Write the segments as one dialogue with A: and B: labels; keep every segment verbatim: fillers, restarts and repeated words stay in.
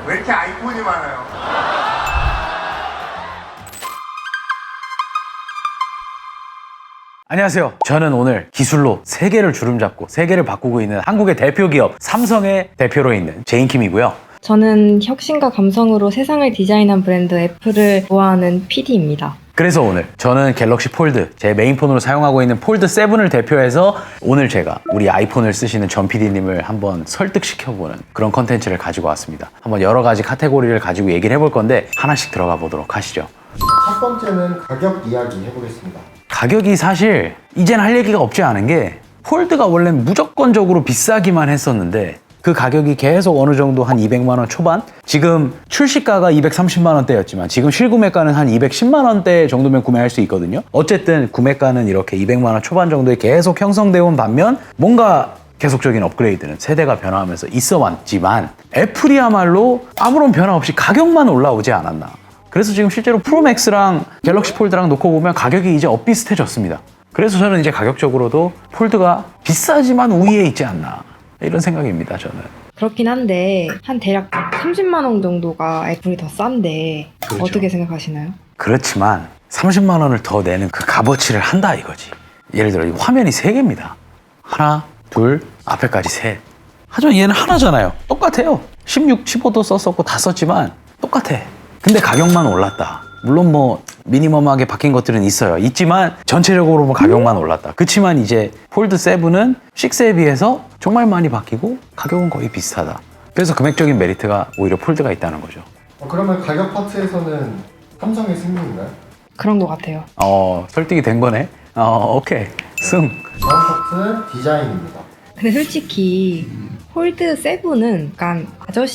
A: 왜 이렇게 아이폰이 많아요?
B: 안녕하세요. 저는 오늘 기술로 세계를 주름잡고 세계를 바꾸고 있는 한국의 대표 기업 삼성의 대표로 있는 제인킴이고요.
C: 저는 혁신과 감성으로 세상을 디자인한 브랜드 애플을 좋아하는 피디입니다.
B: 그래서 오늘 저는 갤럭시 폴드, 제 메인폰으로 사용하고 있는 폴드 세븐을 대표해서 오늘 제가 우리 아이폰을 쓰시는 전 피디님을 한번 설득시켜보는 그런 컨텐츠를 가지고 왔습니다. 한번 여러 가지 카테고리를 가지고 얘기를 해볼 건데 하나씩 들어가 보도록 하시죠.
D: 첫 번째는 가격 이야기 해보겠습니다.
B: 가격이 사실 이젠 할 얘기가 없지 않은 게 폴드가 원래 무조건적으로 비싸기만 했었는데 그 가격이 계속 어느 정도 한 이백만 원 초반? 지금 출시가가 이백삼십만 원대였지만 지금 실구매가는 한 이백십만 원대 정도면 구매할 수 있거든요. 어쨌든 구매가는 이렇게 이백만 원 초반 정도에 계속 형성되어 온 반면 뭔가 계속적인 업그레이드는 세대가 변화하면서 있어 왔지만 애플이야말로 아무런 변화 없이 가격만 올라오지 않았나. 그래서 지금 실제로 프로맥스랑 갤럭시 폴드랑 놓고 보면 가격이 이제 엇비슷해졌습니다. 그래서 저는 이제 가격적으로도 폴드가 비싸지만 우위에 있지 않나 이런 생각입니다. 저는.
C: 그렇긴 한데 한 대략 삼십만 원 정도가 애플이 더 싼데
B: 그렇죠.
C: 어떻게 생각하시나요?
B: 그렇지만 삼십만 원을 더 내는 그 값어치를 한다 이거지. 예를 들어 이 화면이 세 개입니다. 하나, 둘, 앞에까지 셋. 하지만 얘는 하나잖아요. 똑같아요. 십육, 십오도 썼었고 다 썼지만 똑같아. 근데 가격만 올랐다. 물론 뭐 미니멈하게 바뀐 것들은 있어요. 있지만 전체적으로 뭐 가격만 올랐다. 그치만 이제 폴드 세븐은 식스에 비해서 정말 많이 바뀌고 가격은 거의 비슷하다. 그래서 금액적인 메리트가 오히려 폴드가 있다는 거죠.
D: 어, 그러면 가격 파트에서는 삼성의 승리인가요?
C: 그런 것 같아요.
B: 어, 설득이 된 거네. 어, 오케이. 승.
D: 다음 파트는 디자인입니다.
C: 근데 솔직히 폴드 세븐은 약간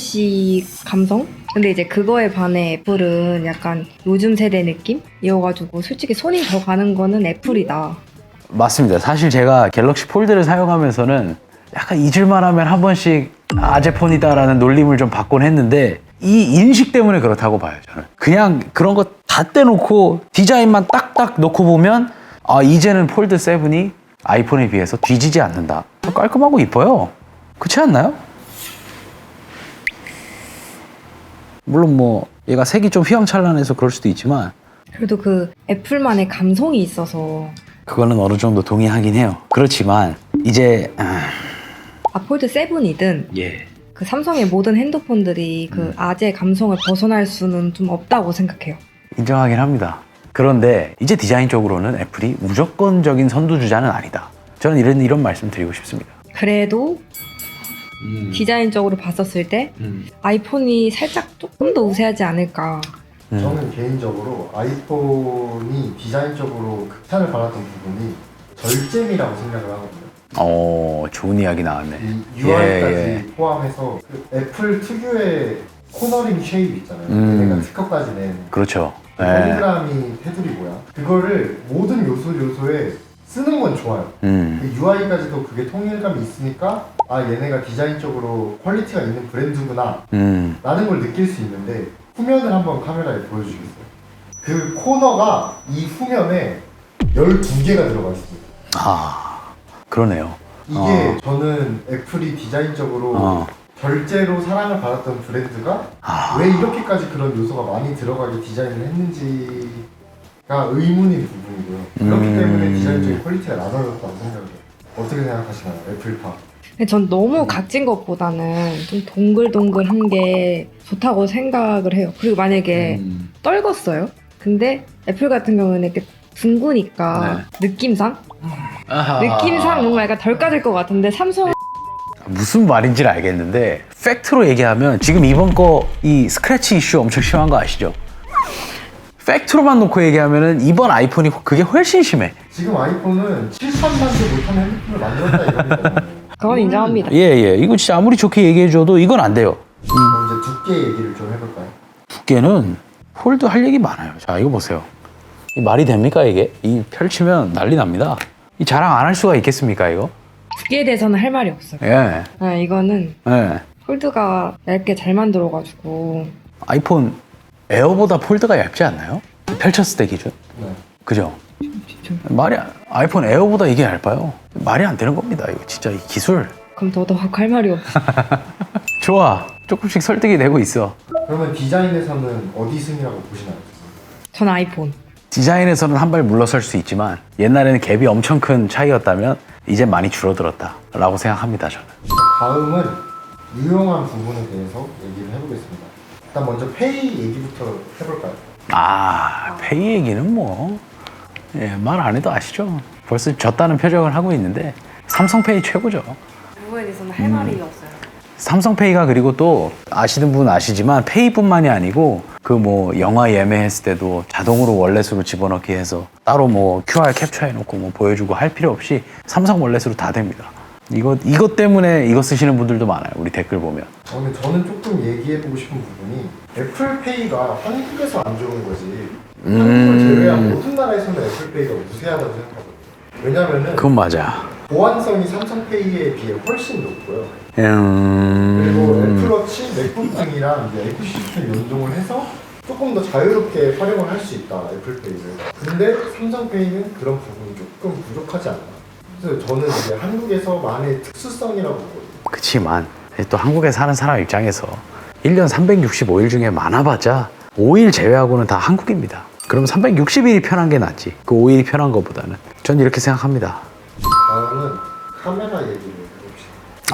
C: 아저씨 감성? 근데 이제 그거에 반해 애플은 약간 요즘 세대 느낌이어가지고 솔직히 손이 더 가는 거는 애플이다.
B: 맞습니다. 사실 제가 갤럭시 폴드를 사용하면서는 약간 잊을만 하면 한 번씩 아재폰이다라는 놀림을 좀 받곤 했는데 이 인식 때문에 그렇다고 봐요. 저는 그냥 그런 거 다 떼놓고 디자인만 딱딱 놓고 보면 아 이제는 폴드 세븐이 아이폰에 비해서 뒤지지 않는다. 깔끔하고 이뻐요. 그렇지 않나요? 물론 뭐 얘가 색이 좀 휘황찬란해서 그럴 수도 있지만
C: 그래도 그 애플만의 감성이 있어서
B: 그거는 어느 정도 동의하긴 해요. 그렇지만 이제 아...
C: 아 폴드 세븐이든
B: 예.
C: 그 삼성의 모든 핸드폰들이 그 아재 감성을 벗어날 수는 좀 없다고 생각해요.
B: 인정하긴 합니다. 그런데 이제 디자인적으로는 애플이 무조건적인 선두주자는 아니다. 저는 이런 이런 말씀 드리고 싶습니다.
C: 그래도
B: 음.
C: 디자인적으로 봤었을 때
B: 음.
C: 아이폰이 살짝 조금 더 우세하지 않을까.
B: 음.
D: 저는 개인적으로 아이폰이 디자인적으로 극찬을 받았던 부분이 절제미라고 생각을 하거든요.
B: 어, 좋은 이야기 나왔네.
D: 이 유아이까지
B: 예, 예.
D: 포함해서 그 애플 특유의 코너링 쉐입 있잖아요.
B: 음.
D: 얘네가 특허까지 낸
B: 그렇죠. 예.
D: 폴리그라미 테두리 모양. 그거를 모든 요소 요소에 쓰는 건 좋아요.
B: 음.
D: 유아이까지도 그게 통일감이 있으니까 아 얘네가 디자인적으로 퀄리티가 있는 브랜드구나
B: 음.
D: 라는 걸 느낄 수 있는데 후면을 한번 카메라에 보여주겠어요. 그 코너가 이 후면에 열두 개가 들어가 있습니다.
B: 아, 그러네요.
D: 이게
B: 어.
D: 저는 애플이 디자인적으로
B: 어.
D: 결제로 사랑을 받았던 브랜드가
B: 아.
D: 왜 이렇게까지 그런 요소가 많이 들어가게 디자인을 했는지가 의문인 부분이고요. 그렇기
B: 음.
D: 때문에 디자인적인 퀄리티가 낮아졌다고 생각해요. 어떻게 생각하시나요? 애플파.
C: 근데 전 너무 각진 것보다는 좀 동글동글한 게 좋다고 생각을 해요. 그리고 만약에
B: 음.
C: 떨궜어요? 근데 애플 같은 경우는 이렇게 둥그니까 느낌상?
B: 아하.
C: 느낌상 뭔가 약간 덜 까질 것 같은데 삼성
B: 무슨 말인지는 알겠는데 팩트로 얘기하면 지금 이번 거 이 스크래치 이슈 엄청 심한 거 아시죠? 팩트로만 놓고 얘기하면은 이번 아이폰이 그게 훨씬 심해.
D: 지금 아이폰은 칠천만도 못하는 핸드폰을 만들었다 이겁니다.
C: 그건 인정합니다.
B: 예예. 이거 진짜 아무리 좋게 얘기해줘도 이건 안 돼요.
D: 그럼 이제 두께 얘기를 좀 해볼까요?
B: 두께는 폴드 할 얘기 많아요. 자 이거 보세요. 이 말이 됩니까 이게? 이 펼치면 난리 납니다. 이 자랑 안 할 수가 있겠습니까 이거?
C: 두께에 대해서는 할 말이 없어요.
B: 예.
C: 아, 이거는
B: 예.
C: 폴드가 얇게 잘 만들어가지고
B: 아이폰 에어보다 폴드가 얇지 않나요? 펼쳤을 때 기준.
D: 네.
B: 그죠?
C: 진짜.
B: 말이 안- 아이폰 에어보다 이게 얇아요. 말이 안 되는 겁니다. 이거 진짜 이 기술.
C: 그럼 더더욱 할 말이 없어.
B: 좋아. 조금씩 설득이 되고 있어.
D: 그러면 디자인에서는 어디 승이라고 보시나요?
C: 전 아이폰.
B: 디자인에서는 한 발 물러설 수 있지만 옛날에는 갭이 엄청 큰 차이였다면 이제 많이 줄어들었다라고 생각합니다. 저는.
D: 다음은 유용한 부분에 대해서 얘기를 해보겠습니다. 일단 먼저 페이 얘기부터 해볼까요?
B: 아, 페이 얘기는 뭐 예, 말 안 해도 아시죠. 벌써 졌다는 표정을 하고 있는데 삼성페이 최고죠.
C: 그거에 대해서는 할 말이 없어요.
B: 삼성페이가 그리고 또 아시는 분은 아시지만 페이뿐만이 아니고 그 뭐 영화 예매했을 때도 자동으로 월렛으로 집어넣기 해서 따로 뭐 큐알 캡처해놓고 뭐 보여주고 할 필요 없이 삼성 월렛으로 다 됩니다. 이거 이것 때문에 이거 쓰시는 분들도 많아요. 우리 댓글 보면.
D: 어, 근데 저는 조금 얘기해보고 싶은 부분이 애플페이가 한국에서 안 좋은 거지
B: 음.
D: 한국을 제외한 모든 나라에서는 애플페이가 우세하다고 생각하거든요. 왜냐면은
B: 그건 맞아.
D: 보안성이 삼성페이에 비해 훨씬 높고요.
B: 음...
D: 그리고 애플워치, 맥북 등이랑 이제 에코시스템 연동을 해서 조금 더 자유롭게 활용을 할 수 있다, 애플페이를. 근데 삼성페이는 그런 부분이 조금 부족하지 않나. 그래서 저는 이제 한국에서만의 특수성이라고 보거든요.
B: 그치만 또 한국에 사는 사람 입장에서 일 년 삼백육십오 일 중에 많아봤자 오 일 제외하고는 다 한국입니다. 그럼 삼백육십 일이 편한 게 낫지. 그 오 일이 편한 것보다는. 전 이렇게 생각합니다.
D: 다음은 카메라 얘기를 해봅시다.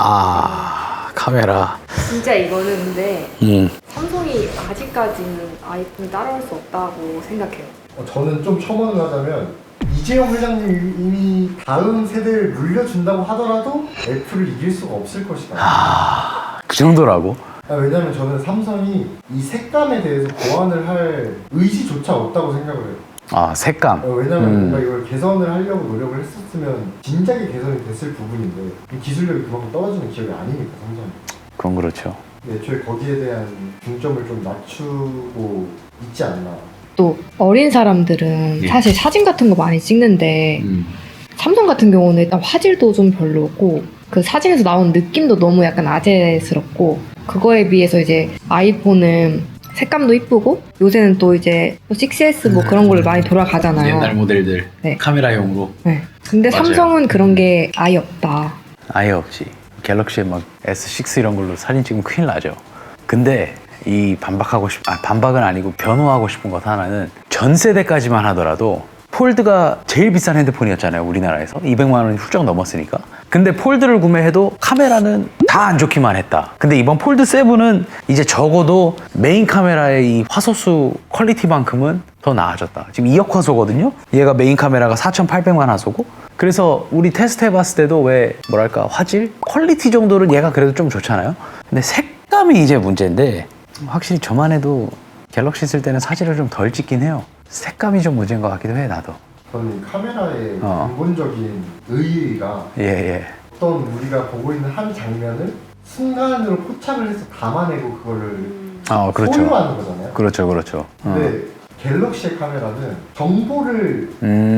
B: 아, 카메라.
C: 진짜 이거는 근데
B: 음.
C: 삼성이 아직까지는 아이폰 따라올 수 없다고 생각해요.
D: 어, 저는 좀 첨언을 하자면 이재용 회장님이 다음 세대를 물려준다고 하더라도 애플을 이길 수가 없을 것이다.
B: 아, 그 정도라고?
D: 아, 왜냐면 저는 삼성이 이 색감에 대해서 보완을 할 의지조차 없다고 생각을 해요.
B: 아, 색감.
D: 어, 왜냐면
B: 음.
D: 뭔가 이걸 개선을 하려고 노력을 했었으면 진작에 개선이 됐을 부분인데 이 기술력이 그만큼 떨어지는 기업이 아니니까 삼성이.
B: 그건 그렇죠.
D: 애초에 거기에 대한 중점을 좀 낮추고 있지 않나.
C: 또 어린 사람들은
B: 예.
C: 사실 사진 같은 거 많이 찍는데
B: 음.
C: 삼성 같은 경우는 일단 화질도 좀 별로고 그 사진에서 나온 느낌도 너무 약간 아재스럽고 그거에 비해서 이제 아이폰은 색감도 이쁘고 요새는 또 이제 식스 에스 뭐 그런 걸로 많이 돌아가잖아요.
B: 모델들
C: 네.
B: 카메라용으로
C: 네. 근데
B: 맞아요.
C: 삼성은 그런 게 아예 없다.
B: 아예 없지. 갤럭시 막 에스 식스 이런 걸로 사진 찍으면 큰일 나죠. 근데 이 반박하고 싶, 아 반박은 아니고 변호하고 싶은 것 하나는 전 세대까지만 하더라도 폴드가 제일 비싼 핸드폰이었잖아요. 우리나라에서 이백만 원이 훌쩍 넘었으니까. 근데 폴드를 구매해도 카메라는 다 안 좋기만 했다. 근데 이번 폴드 세븐은 이제 적어도 메인 카메라의 이 화소수 퀄리티만큼은 더 나아졌다. 지금 이억 화소거든요. 얘가 메인 카메라가 사천팔백만 화소고. 그래서 우리 테스트 해봤을 때도 왜 뭐랄까 화질? 퀄리티 정도는 얘가 그래도 좀 좋잖아요. 근데 색감이 이제 문제인데 확실히 저만 해도 갤럭시 쓸 때는 사진을 좀 덜 찍긴 해요. 색감이 좀 문제인 것 같기도 해, 나도.
D: 저는 이 카메라의
B: 어.
D: 근본적인 의의가
B: 예, 예.
D: 어떤 우리가 보고 있는 한 장면을 순간으로 포착을 해서 담아내고 그거를
B: 아, 그렇죠.
D: 소유하는 거잖아요.
B: 그렇죠, 그렇죠. 어.
D: 근데 갤럭시의 카메라는 정보를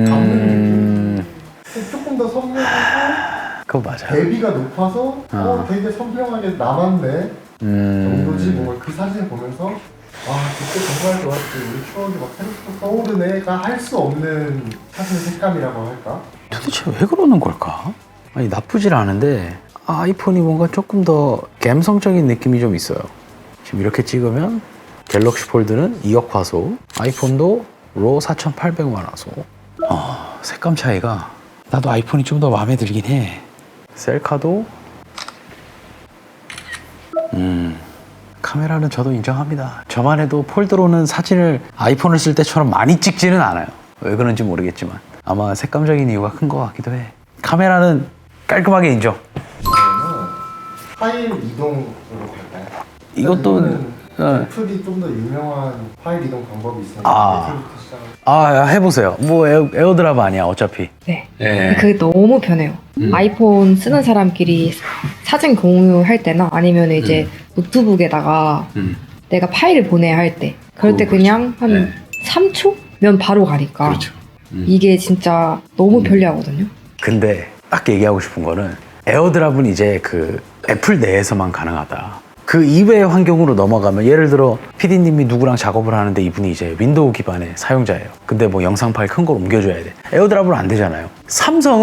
B: 음,
D: 조금 더 선명하고
B: 그거 맞아.
D: 대비가 높아서 어, 되게 선명하게 남았네 정도지.
B: 음,
D: 뭔가 그 사진을 보면서 아 그때 정말 좋았지, 우리 추억이 막 새롭게 떠오르네가 할 수 없는 사진의 색감이라고 할까?
B: 도대체 왜 그러는 걸까? 아니, 나쁘질 않은데 아이폰이 뭔가 조금 더 감성적인 느낌이 좀 있어요. 지금 이렇게 찍으면 갤럭시 폴드는 이억 화소, 아이폰도 로 사천팔백만 화소. 어, 색감 차이가 나도 아이폰이 좀 더 마음에 들긴 해. 셀카도 음 카메라는 저도 인정합니다. 저만 해도 폴드로는 사진을 아이폰을 쓸 때처럼 많이 찍지는 않아요. 왜 그런지 모르겠지만 아마 색감적인 이유가 큰 것 같기도 해. 카메라는 깔끔하게 인정.
D: 그러면 파일 이동으로 갈까요?
B: 이것도
D: 이거는
B: 어.
D: 애플이 좀 더 유명한 파일 이동 방법이 있으니까
B: 아.
D: 애플부터 시작을.
B: 아, 해보세요. 뭐 에어, 에어드랍 아니야 어차피.
C: 네.
B: 예.
C: 그게 너무 편해요.
B: 음.
C: 아이폰 쓰는 사람끼리 사진 공유할 때나 아니면 이제 노트북에다가
B: 음.
C: 내가 파일을 보내야 할 때 그럴 때
B: 그거
C: 그냥 한
B: 네.
C: 삼 초면 바로 가니까
B: 음.
C: 이게 진짜 너무 편리하거든요.
B: 근데 딱 얘기하고 싶은 거는 에어드랍은 이제 그 애플 내에서만 가능하다. 그 이외의 환경으로 넘어가면 예를 들어 피디님이 누구랑 작업을 하는데 이분이 이제 윈도우 기반의 사용자예요. 근데 뭐 영상 파일 큰 걸 옮겨줘야 돼. 에어드랍은 안 되잖아요. 삼성은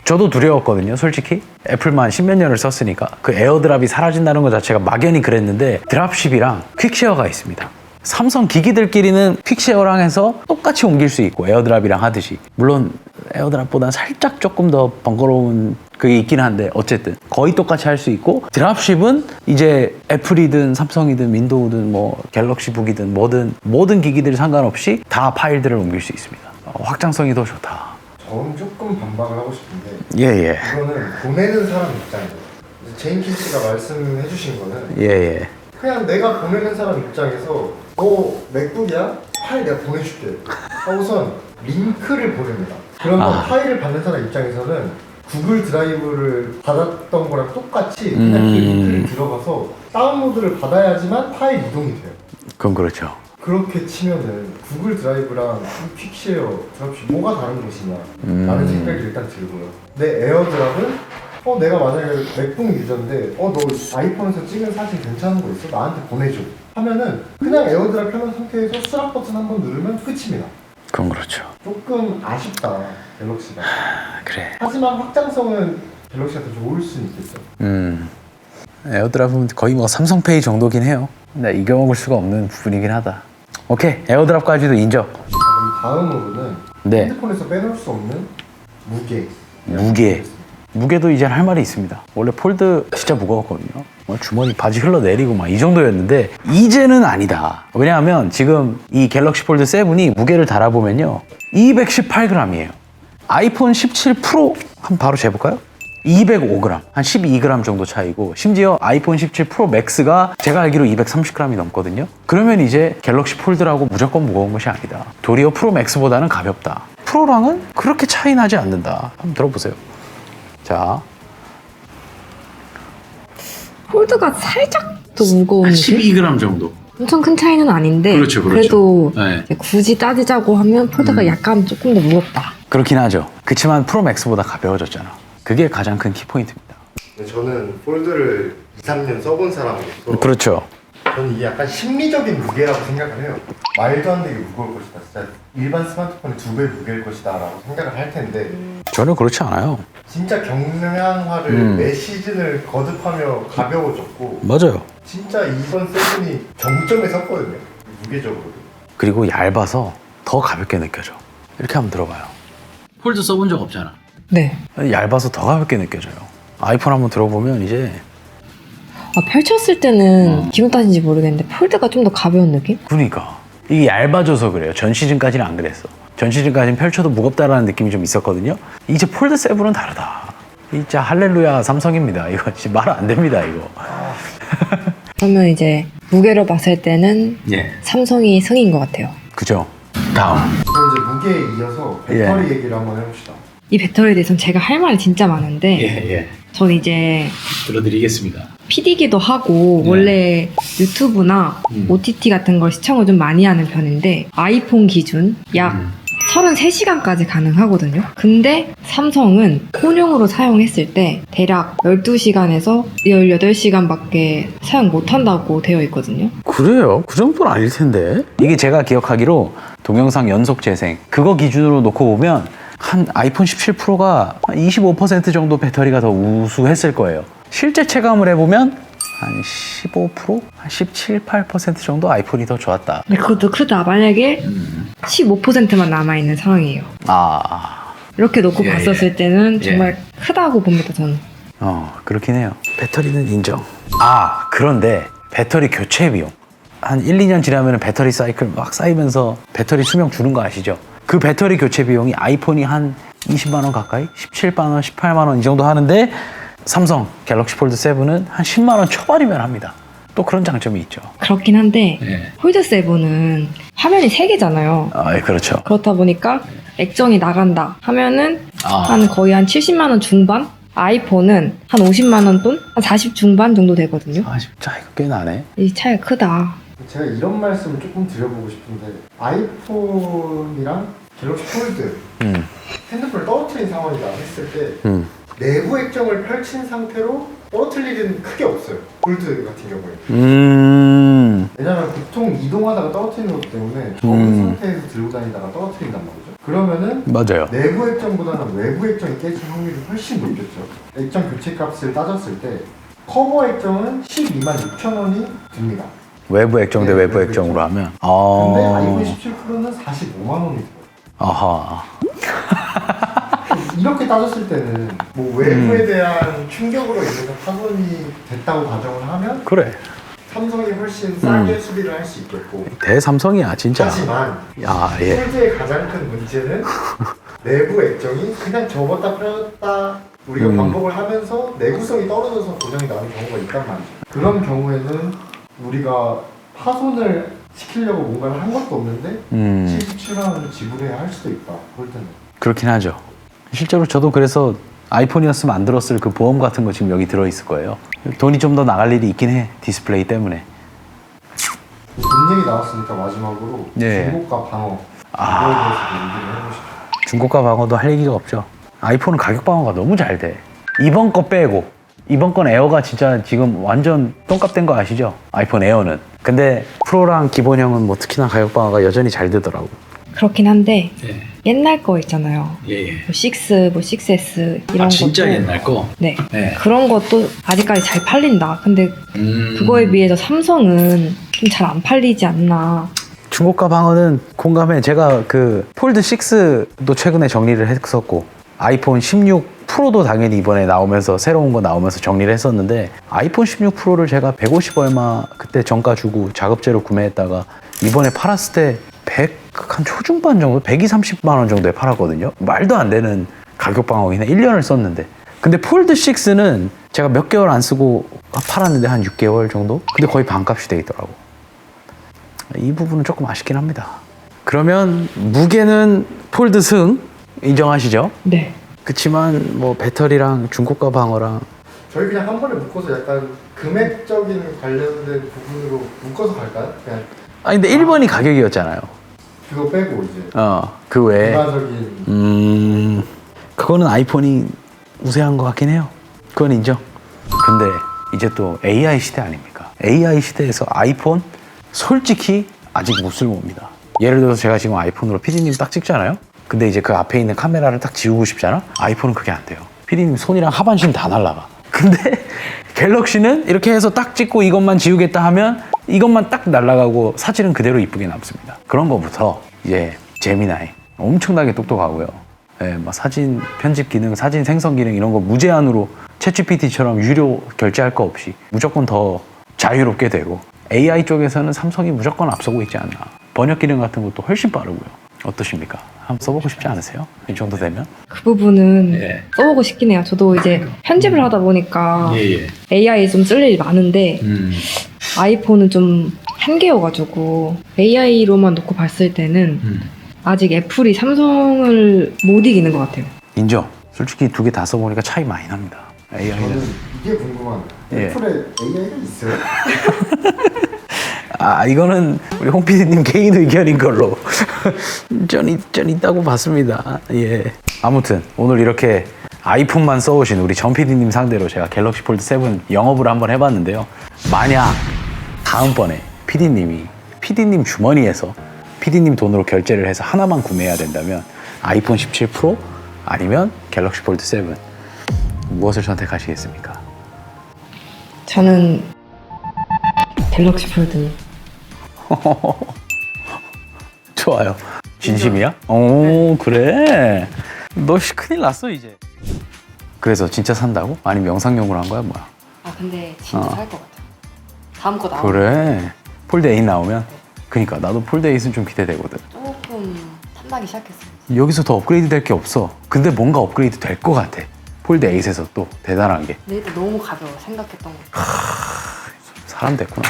B: 저도 두려웠거든요, 솔직히. 애플만 십몇 년을 썼으니까. 그 에어드랍이 사라진다는 것 자체가 막연히 그랬는데 드랍십이랑 퀵쉐어가 있습니다. 삼성 기기들끼리는 퀵쉐어랑 해서 똑같이 옮길 수 있고 에어드랍이랑 하듯이. 물론 에어드랍보다 살짝 조금 더 번거로운 그게 있긴 한데 어쨌든 거의 똑같이 할 수 있고, 드랍십은 이제 애플이든 삼성이든 윈도우든 뭐 갤럭시북이든 뭐든 모든 기기들 상관없이 다 파일들을 옮길 수 있습니다. 어, 확장성이 더 좋다.
D: 저는 조금 반박을 하고 싶은데
B: 예예.
D: 이거는 보내는 사람 입장이에요. 제임킨 씨가 말씀해 주신 거는
B: 예예.
D: 그냥 내가 보내는 사람 입장에서 너 맥북이야? 파일 내가 보내줄게 하고선 링크를 보냅니다. 그러면
B: 아.
D: 파일을 받는 사람 입장에서는 구글 드라이브를 받았던 거랑 똑같이 그냥 그
B: 음.
D: 링크를 들어가서 다운로드를 받아야지만 파일 이동이 돼요.
B: 그건 그렇죠.
D: 그렇게 치면은 구글 드라이브랑 퀵쉐어, 드랍십 뭐가 다른 것이냐
B: 음.
D: 라는 생각이 일단 들고요. 내 에어드랍은 어 내가 만약에 맥북 유저인데 어 너 아이폰에서 찍은 사진 괜찮은 거 있어? 나한테 보내줘 하면은 그냥 에어드랍 켜놓은 상태에서 수락 버튼 한번 누르면 끝입니다.
B: 그건 그렇죠.
D: 조금 아쉽다 갤럭시가.
B: 그래.
D: 하지만 확장성은 갤럭시가 더 좋을 수는 있겠어.
B: 음. 에어드랍은 거의 뭐 삼성페이 정도긴 해요. 근데 이겨먹을 수가 없는 부분이긴 하다. 오케이, 에어드랍까지도 인정.
D: 자, 그럼 다음으로는
B: 네.
D: 핸드폰에서 빼놓을 수 없는 무게.
B: 무게. 무게도 이제 할 말이 있습니다. 원래 폴드 진짜 무거웠거든요. 뭐 주머니 바지 흘러내리고 막 이 정도였는데 이제는 아니다. 왜냐하면 지금 이 갤럭시 폴드 세븐이 무게를 달아보면요, 이백십팔 그램이에요. 아이폰 십칠 프로 한번 바로 재볼까요? 이백오 그램, 한 십이 그램 정도 차이고, 심지어 아이폰 십칠 프로 맥스가 제가 알기로 이백삼십 그램이 넘거든요. 그러면 이제 갤럭시 폴드라고 무조건 무거운 것이 아니다. 도리어 프로 맥스보다는 가볍다. 프로랑은 그렇게 차이 나지 않는다. 한번 들어보세요. 자,
C: 폴드가 살짝 더 무거운 느낌?
B: 십이 그램 정도.
C: 엄청 큰 차이는 아닌데
B: 그렇죠, 그렇죠.
C: 그래도
B: 네.
C: 이제 굳이 따지자고 하면 폴드가
B: 음.
C: 약간 조금 더 무겁다.
B: 그렇긴 하죠. 그렇지만 프로 맥스보다 가벼워졌잖아. 그게 가장 큰 키포인트입니다.
D: 저는 폴드를 이, 삼 년 써본 사람으로서
B: 그렇죠.
D: 저는 이게 약간 심리적인 무게라고 생각을 해요. 말도 안 되게 무거울 것이다. 진짜 일반 스마트폰의 두 배 무게일 것이다 라고 생각을 할 텐데
B: 전혀 그렇지 않아요.
D: 진짜 경량화를
B: 음.
D: 매 시즌을 거듭하며 가벼워졌고
B: 맞아요.
D: 진짜 이번 세븐이 정점에 섰거든요. 무게적으로.
B: 그리고 얇아서 더 가볍게 느껴져. 이렇게 한번 들어봐요. 폴드 써본 적 없잖아.
C: 네.
B: 얇아서 더 가볍게 느껴져요. 아이폰 한번 들어보면 이제
C: 아, 펼쳤을 때는 기분 탓인지 모르겠는데 폴드가 좀 더 가벼운 느낌?
B: 그러니까 이게 얇아져서 그래요. 전 시즌까지는 안 그랬어. 전 시즌까지는 펼쳐도 무겁다라는 느낌이 좀 있었거든요. 이제 폴드 세븐은 다르다. 진짜 할렐루야 삼성입니다. 이거 진짜 말 안 됩니다. 이거.
C: 그러면 이제 무게로 봤을 때는
B: 예.
C: 삼성이 승인 것 같아요.
B: 그죠. 다음.
D: 그럼 이제 무게에 이어서 배터리 얘기를 한번 해봅시다.
C: 이 배터리에 대해서는 제가 할 말이 진짜 많은데
B: 예.
C: 전 이제
B: 들어드리겠습니다.
C: 피디기도 하고
B: 네.
C: 원래 유튜브나
B: 음.
C: 오티티 같은 걸 시청을 좀 많이 하는 편인데 아이폰 기준 약
B: 음.
C: 서른세 시간까지 가능하거든요. 근데 삼성은 혼용으로 사용했을 때 대략 열두 시간에서 열여덟 시간밖에 사용 못한다고 되어 있거든요.
B: 그래요? 그 정도는 아닐 텐데. 이게 제가 기억하기로 동영상 연속 재생 그거 기준으로 놓고 보면 한 아이폰 십칠 프로가 한 이십오 퍼센트 정도 배터리가 더 우수했을 거예요. 실제 체감을 해보면 한 십오 퍼센트? 한 십칠, 팔 퍼센트 정도 아이폰이 더 좋았다.
C: 근데 그것도 크다. 만약에 십오 퍼센트만 남아있는 상황이에요.
B: 아,
C: 이렇게 놓고
B: 예,
C: 봤었을 때는
B: 예.
C: 정말 크다고 봅니다, 저는.
B: 어, 그렇긴 해요. 배터리는 인정. 아, 그런데 배터리 교체 비용. 한 일, 이 년 지나면 배터리 사이클 막 쌓이면서 배터리 수명 주는 거 아시죠? 그 배터리 교체 비용이 아이폰이 한 이십만 원 가까이? 십칠만 원, 십팔만 원 이 정도 하는데 삼성 갤럭시 폴드 세븐은 한 십만 원 초반이면 합니다. 또 그런 장점이 있죠.
C: 그렇긴 한데
B: 예.
C: 폴드 세븐은 화면이 세 개잖아요.
B: 아, 예, 그렇죠.
C: 그렇다 보니까 액정이 나간다 하면은
B: 아.
C: 한 거의 한 칠십만 원 중반? 아이폰은 한 오십만 원 돈? 한 사십 중반 정도 되거든요.
B: 아, 차이가 꽤 나네.
C: 이 차이가 크다.
D: 제가 이런 말씀을 조금 드려보고 싶은데 아이폰이랑 갤럭시 폴드
B: 음,
D: 핸드폰을 떨어뜨린 상황이다 했을 때
B: 음,
D: 내부 액정을 펼친 상태로 떨어뜨릴 일은 크게 없어요. 폴드 같은 경우에.
B: 음,
D: 왜냐면 보통 이동하다가 떨어뜨리는 것 때문에 적은
B: 음.
D: 상태에서 들고 다니다가 떨어뜨린단 말이죠. 그러면은
B: 맞아요.
D: 내부 액정보다는 외부 액정이 깨질 확률이 훨씬 높겠죠. 액정 교체 값을 따졌을 때 커버 액정은 십이만 육천 원이 듭니다.
B: 외부 액정 대
D: 네,
B: 외부
D: 외부
B: 액정으로
D: 액정.
B: 하면.
D: 근데
B: 아.
D: 아이폰 십칠 프로는 사십오만 원이 들어요.
B: 아하.
D: 이렇게 따졌을 때는 뭐 외부에 대한 충격으로 인해서 파손이 됐다고 가정을 하면
B: 그래.
D: 삼성이 훨씬 싸게 수리를 할 수 있겠고,
B: 대삼성이야 진짜.
D: 하지만
B: 야 예.
D: 폴드의 가장 큰 문제는 내부 액정이 그냥 접었다 펴었다 우리가
B: 음.
D: 반복을 하면서 내구성이 떨어져서 고장이 나는 경우가 있단 말이죠. 그런 경우에는 우리가 파손을 시키려고 뭔가를 한 것도 없는데
B: 음.
D: 칠십칠만 원을 지불해야 할 수도 있다. 폴드는.
B: 그렇긴 하죠. 실제로 저도 그래서 아이폰이었으면 안 들었을 그 보험 같은 거 지금 여기 들어있을 거예요. 돈이 좀 더 나갈 일이 있긴 해. 디스플레이 때문에.
D: 돈 얘기 나왔으니까 마지막으로
B: 네.
D: 중고가 방어
B: 아.
D: 이거에 대해서 얘기를 해보시죠.
B: 중고가 방어도 할 얘기가 없죠. 아이폰은 가격 방어가 너무 잘 돼. 이번 거 빼고. 이번 건 에어가 진짜 지금 완전 똥값 된 거 아시죠? 아이폰 에어는. 근데 프로랑 기본형은 뭐 특히나 가격 방어가 여전히 잘 되더라고.
C: 그렇긴 한데
B: 예.
C: 옛날 거 있잖아요.
B: 예, 예.
C: 뭐 육, 뭐 식스에스 이런
B: 아, 진짜
C: 것도
B: 옛날 거?
C: 네.
B: 네.
C: 그런 것도 아직까지 잘 팔린다. 근데
B: 음...
C: 그거에 비해서 삼성은 좀 잘 안 팔리지 않나.
B: 중고가 방어는 공감해. 제가 그 폴드 식스도 최근에 정리를 했었고 아이폰 십육 프로도 당연히 이번에 나오면서 새로운 거 나오면서 정리를 했었는데 아이폰 십육 프로를 제가 백오십 얼마 그때 정가 주고 작업재로 구매했다가 이번에 팔았을 때 백 한 초중반 정도? 백이십, 삼십만 원 정도에 팔았거든요. 말도 안 되는 가격 방어긴 해. 일 년을 썼는데. 근데 폴드 식스는 제가 몇 개월 안 쓰고 팔았는데 한 육 개월 정도? 근데 거의 반값이 돼 있더라고. 이 부분은 조금 아쉽긴 합니다. 그러면 무게는 폴드 승 인정하시죠?
C: 네.
B: 그치만 뭐 배터리랑 중고가 방어랑
D: 저희 그냥 한 번에 묶어서 약간 금액적인 관련된 부분으로 묶어서 갈까요? 그냥
B: 아니 근데 일 번이 가격이었잖아요.
D: 그거 빼고 이제
B: 어그 외에
D: 일반적인
B: 음 그거는 아이폰이 우세한 것 같긴 해요. 그건 인정. 근데 이제 또 에이아이 시대 아닙니까? 에이아이 시대에서 아이폰 솔직히 아직 못 쓸모입니다. 예를 들어서 제가 지금 아이폰으로 피디님 딱 찍잖아요. 근데 이제 그 앞에 있는 카메라를 딱 지우고 싶잖아? 아이폰은 그게 안 돼요. 피디님 손이랑 하반신 다 날라가. 근데 갤럭시는 이렇게 해서 딱 찍고 이것만 지우겠다 하면 이것만 딱 날아가고 사진은 그대로 이쁘게 남습니다. 그런 거부터 이제 제미나이 엄청나게 똑똑하고요. 예, 막 사진 편집 기능, 사진 생성 기능 이런 거 무제한으로 챗지피티처럼 유료 결제할 거 없이 무조건 더 자유롭게 되고 에이아이 쪽에서는 삼성이 무조건 앞서고 있지 않나. 번역 기능 같은 것도 훨씬 빠르고요. 어떠십니까? 한번 써보고 싶지 않으세요? 이 정도 되면?
C: 그 부분은
B: 예.
C: 써보고 싶긴 해요. 저도 이제 편집을 하다 보니까
B: 예.
C: 에이아이 좀 쓸 일이 많은데
B: 음.
C: 아이폰은 좀 한계여가지고 에이아이로만 놓고 봤을 때는
B: 음.
C: 아직 애플이 삼성을 못 이기는 것 같아요.
B: 인정. 솔직히 두 개 다 써보니까 차이 많이 납니다. 에이아이는.
D: 저는 이게 궁금한데
B: 예.
D: 애플에 에이아이가 있어요?
B: 아 이거는 우리 홍 피디님 개인 의견인 걸로 전, 있, 전 있다고 봤습니다. 예. 아무튼 오늘 이렇게 아이폰만 써오신 우리 전 피디님 상대로 제가 갤럭시 폴드 세븐 영업을 한번 해봤는데요. 만약 다음번에 피디님이 피디님 주머니에서 피디님 돈으로 결제를 해서 하나만 구매해야 된다면 아이폰 십칠 프로 아니면 갤럭시 폴드 세븐 무엇을 선택하시겠습니까?
C: 저는 갤럭시 폴드.
B: 좋아요. 진심이야? 오 그래. 너 씨, 큰일 났어 이제. 그래서 진짜 산다고? 아니면 영상용으로 한 거야 뭐야?
C: 아 근데 진짜
B: 어.
C: 살 것 같아요. 다음 거 나오면
B: 그래. 폴드 에잇 나오면? 그니까 나도 폴드 에잇은 좀 기대되거든.
C: 조금 탐나기 시작했어요.
B: 여기서 더 업그레이드 될 게 없어. 근데 뭔가 업그레이드 될 것 같아. 폴드 에잇에서 또 대단한 게
C: 근데 일단 너무 가벼워 생각했던 거.
B: 사람 됐구나.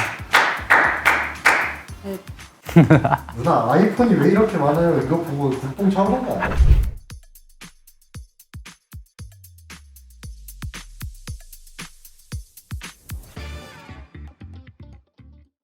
C: 네.
D: 누나 아이폰이 왜 이렇게 많아요? 이거 보고 국뽕 차오른 거 아니에요?